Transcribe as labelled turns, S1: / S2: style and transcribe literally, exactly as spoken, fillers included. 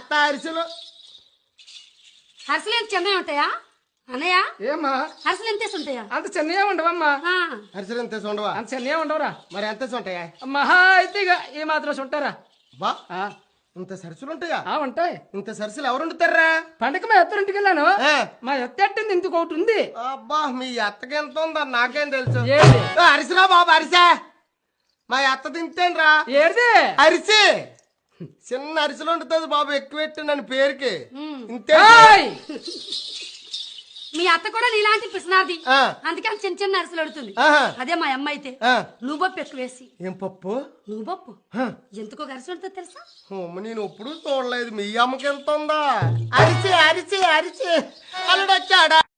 S1: అత్త అరిసెలు
S2: అరిసెలు ఎంత చిన్నవి ఉంటాయా అన్నయ్య?
S3: ఏమ్మా
S2: అరిసెలు ఎంత ఉంటాయా?
S3: అంత చిన్నగా ఉండవమ్మా.
S1: అరిసెలు ఎంత ఉండవా?
S3: అంత చిన్నగా ఉండవురా.
S1: మరి ఎంత ఉంటాయా?
S3: మహా అయితే ఇక ఏ మాత్రం ఉంటారా
S1: బా ఇంత సరుసులు ఉంటాయా?
S3: ఉంటాయి.
S1: ఇంత సరుసులు ఎవరు వండుతారా?
S3: పండగ మా ఎత్తరింటికి వెళ్ళాను. మా ఎత్త ఎట్టింది ఇంటికి ఒకటి ఉంది.
S1: అబ్బా మీ అత్తకి ఎంత ఉందా నాకేం తెలుసు.
S3: ఏది
S1: అరిసిరా బాబు అరిసా. మా అత్త తింటేను రా.
S3: ఏది
S1: అరిసి చిన్న అరిసెలు వండుతుంది బాబు, ఎక్కువ పెట్టు నన్ను పేరుకి. ఇంతే.
S2: మీ అత్త కూడా నీలాంటి పిసినాది, అందుకని చిన్న చిన్న అరిసెలు అడుగుతుంది. అదే మా అమ్మ అయితే నువ్వు పప్పు ఎక్కువ వేసి.
S1: ఏం పప్పు?
S2: నువ్వు పప్పు ఎందుకో అరిసెలు ఉంటుంది తెలుసా?
S1: నేను ఎప్పుడు చూడలేదు. మీ అమ్మకి ఎంత ఉందా? అరిసి అరిసి అరిసి అల్లుడు వచ్చాడా?